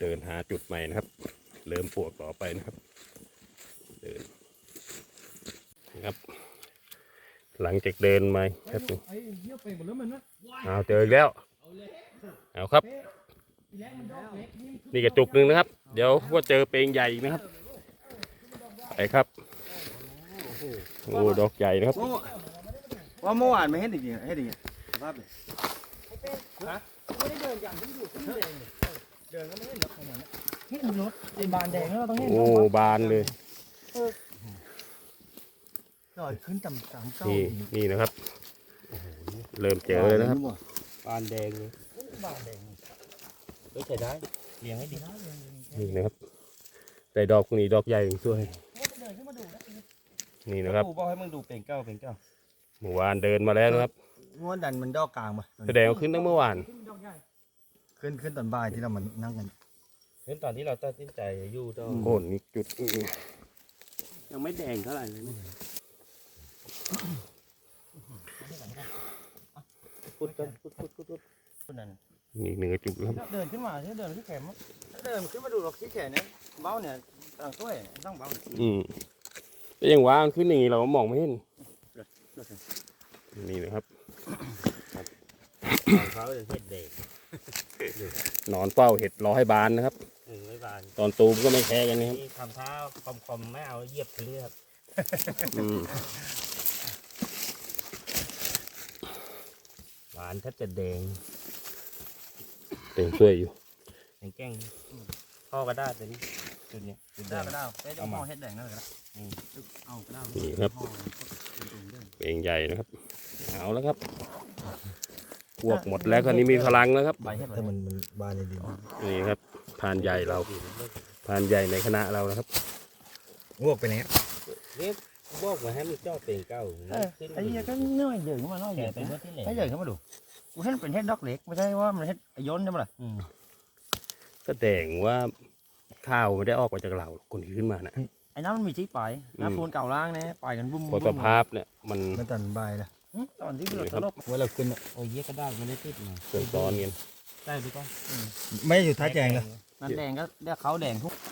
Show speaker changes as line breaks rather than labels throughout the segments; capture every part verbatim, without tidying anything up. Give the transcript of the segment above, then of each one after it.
เดินหาจุดใหม่นะครับเริ่มปวกต่อไปนะครับเดินนะครับหลังจากเดินมาครับเอาเจออีกแล้วเอาครับนี่กระจุกหนึ่งนะครับเดี๋ยวว่าเจอเปลงใหญ่อีกนะครับไปครับโอ้ดอกใหญ่นะครับ
ว่าเมื่อวานไม่เห็นอีกเห็นอีกภาพเลยไม่ได้เดินอย่างที่อยู่ที่เดินเดินก็ไม่เห็นรถของมันเห็นรถเป็นบานแดงแล้วเราต้องเห็น
โอ้บานเลย
จอดขึ้นต่ำสามเก้า
นี่นี่นะครับเริ่มเจอเลยนะครับ
บานแดงเลยบานแดงไม่ใช่ได้เลี้ยงให้ดี
นี่นะครับแต่ดอกนี้ดอกใหญ่ถึงช่วยนี่นะครับ
บอกให้มึงดูเป่งเก้าเป่งเก้า
เมื่อวานเดินมาแล้วนะครับ
งวดดันมันดอกกลางมา
แสดงว่าขึ้นตั้งเมื่อวาน
ขึ้นขึ้นตอนบ่ายที่เรามันนั่งกันขึ้นตอนที่เราตัดสินใจอยู่ตอน
โค่นนี่จุด
ยังไม่แดงเท่าไหร่เลยพุดกันพุดพุดพุดพุดนั่น
นี่หนึ่งจุดครับ
เดินขึ้นมาเดินขึ้นแขนเดินขึ้นมาดูหรอกที่แขนเนี่ยเบ้าเนี่ยต่างช่วยต้องเบ้า
อืมแต่ยังว่าขึ้นอย่างนี้เรามองไม่เห็นนี่นะครับ
เขาจะเห็ดเด็ก
นอนเฝ้าเห็ดรอให้บานนะครับตอนตูมก็ไม่แค่กันนะครับ
ทำเท้าคอมๆไม่เอาเหยียบถึงเลยครับหวานแทบจะแดง
เต็มช่วยอยู่
แกงแกงพ่อก็ได้เป็นจุดนี้จุดได้ก็ได้เอาหม้อเห็ดแดงนั่นเลยนะเอาก็ได้
นี่ครับเป็นใหญ่นะครับเอาแล้วครับพวกหมดแล้วคราวนี้มีพลังแล้วครับ
แต่มันมันบานเลยดี
นี่ครับพานใหญ่เราพานใหญ่ในคณะเรานะครับ
วอกไปไหนเนี่ยวอกมาให้มันเจ้าเป็นเก้าไอ้ยังก็น้อยเดือดขึ้นมาน้อยเดือดไอ้เดือดขึ้นมาดูกูเห็นเป็นเห็ดดอกเล็กไม่ใช่ว่ามันเห็ดย้อนใช่ไหมล่ะ
แสดงว่าข้าวไม่ได้ออกมาจากเราคนที่ขึ้นมานะ
ไอ้น้ำมันมีที่ปลายน้ำปูนเก่าล่างเนี่ยปลายกันบุ้ม
พอสภาพเนี่ยมัน
มันตันใบละตอนที่เราตลบว่าเราขึ้นโอ้ยเยอะก็ได้ไม่ได้ติดมา
เกิดตอนเงี้ย
ได้ดูก็ไม่อยู่ท้ายแดงเลยนั่นแดงก็เรียกเขาแดงทุก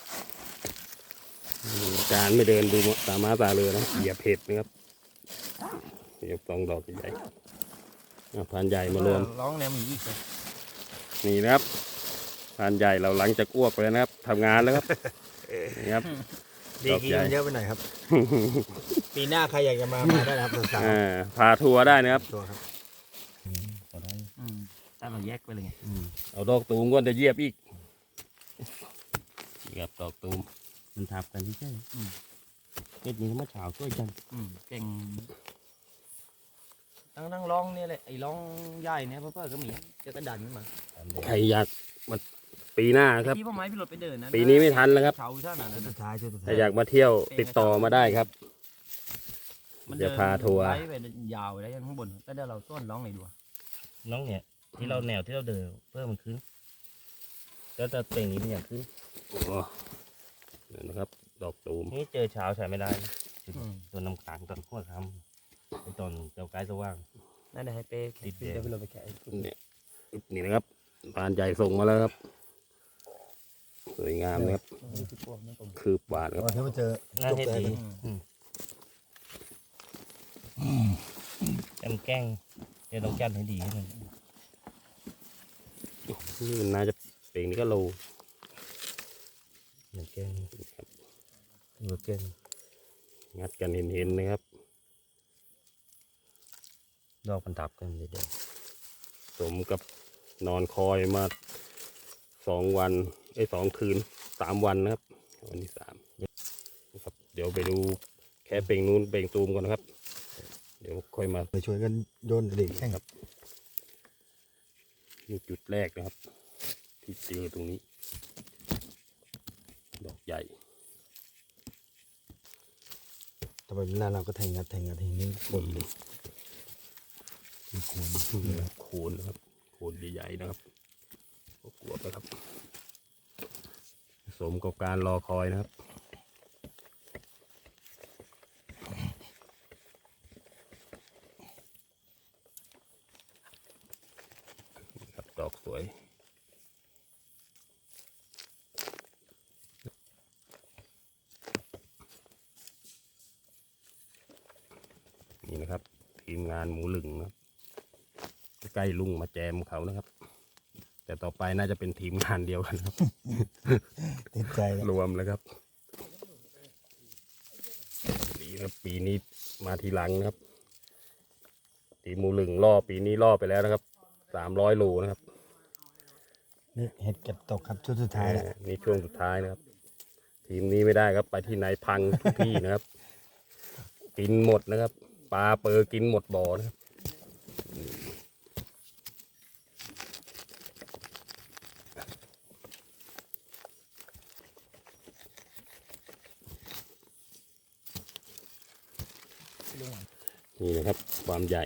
การไม่เดินดูตามาตาเลยนะเหยียบเห็ดนะครับเหยียบสองดอกใหญ่พานใหญ่มารวม
ร้องแนวมีอีก
นี่นะครับพานใหญ่เราหลังจากอ้วกไปแล้วนะครับทำงานแล้วครับนี่ครับ
ดีกีมันเยอะไปหน่อยครับปีหน้าใครอยากจะมามาได้ครับสาว
พาทัวร์ได้นะครับ
ทัวร์ครับถ้าเราแยกไปเลยไง
เอาดอกตูมก็จะเยียบอีกนี่ครับดอกตูม
มันทับกันที่ใช่เก็ดนี้มาเฉาช่วยจังเก่งนั่งนั่งร้องเนี่ยเลยไอ้ร้องใหญ่เนี่ยเพื่อก็มีจะกระดันมา
ใครอยากมาปีหน้าครับ
พี่พ่อไม้พี่รถไปเดินนะ
ปีนี้ไม่ทันแล้วครับถ้าอยากมาเที่ยวติดต่อมาได้ครับ
มันจะพาทัวร์ไปยาวได้ยังข้างบนก็เดี๋ยวเราต้นร้องไหนดูร้องเนี่ยที่เราแนวที่เราเดินเพื่อมันขึ้นแล้วจะเต่งนี้มันอย่างขึ้น
นะครับดอกตูม
นี่เจอเช้าใช้ไม่ได้ตัวน้ำขังตอนขั้วคำตอนเจ้าไก่สว่างนั่นแหละให้เป๊ะติดเดี๋ยวไปเราไปแกะ
เนี่ยนี่นะครับพานใหญ่ส่งมาแล้วครับสวยงามนะครับคืบหวานครับ
ที่มาเจอน่าเห็นดีแกงแกงเดี๋ยวต้องจัดให้ดีมัน
นี่มันน่าจะเป็นนี่ก็โล
แกงครับแกง
งัดกันเห็นๆนะครับ
ดอกมันทับกันเดี๋ยว
สมกับนอนคอยมาสองวันไอ้สองคืนสามวันนะครับวันที่สามนะครับเดี๋ยวไปดูแค่เป่งนู้นเป่งตูมก่อนนะครับเดี๋ยวค่อยมา
ไปช่วยกันโยนเด็กแข่งครับ
นี่จุดแรกนะครับที่เจอตรงนี้ดอกใหญ่
ต่อไปเวลาเราก็แทงงัดแทงงัดแทงนี้บนเลย
โคนโคนนะครับโคนใหญ่ๆนะครับกลัวไปครับสมกับการรอคอยนะครับดอกสวยทีมงานหมูหลึงนะครับใกล้ลุงมาแจมเขานะครับ แต่ต่อไปน่าจะเป็นทีมงานเดียวกันครับ
ติดใจแล้ว
รวมแล้วครับดีครับปีนี้มาทีหลังนะครับทีมหมูหลึงล่อปีนี้ล่อไปแล้วนะครับสามร้อยโลนะครับ
นี่เห็ดเก็บตกครับชุดสุดท้ายแล้ว
เออนี่ช่วงสุดท้ายนะครับ ทีมนี้ไม่ได้ครับไปที่ไหนพังทุกที่นะครับ กินหมดนะครับปลาเปอร์กินหมดบ่อนะครับนี่นะครับความใหญ่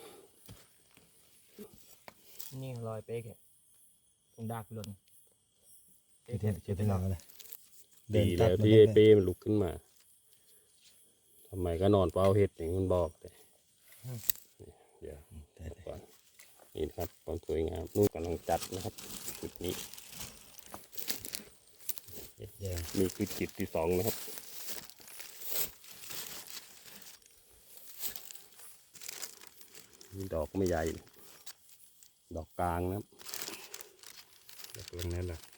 นี่รอยเป๊กอะตรงดากหล่น
เก็บเห็ดเก็บไปลองกันเลย
ดีแล้วที่ไอ้เป้มันลุกขึ้นมาทำไมก็นอนเฝ้าเห็ดอย่างที่มันบอกแต่เดี๋ยวก่อนนี่นะครับความสวยงามนู่นกำลังจัดนะครับจุดนี้
เห็ดแดง
นี่คือจุดที่สองนะครับนี่ดอกไม่ใหญ่ ดอกกลางนะครับดอกตรงนั้นแหละ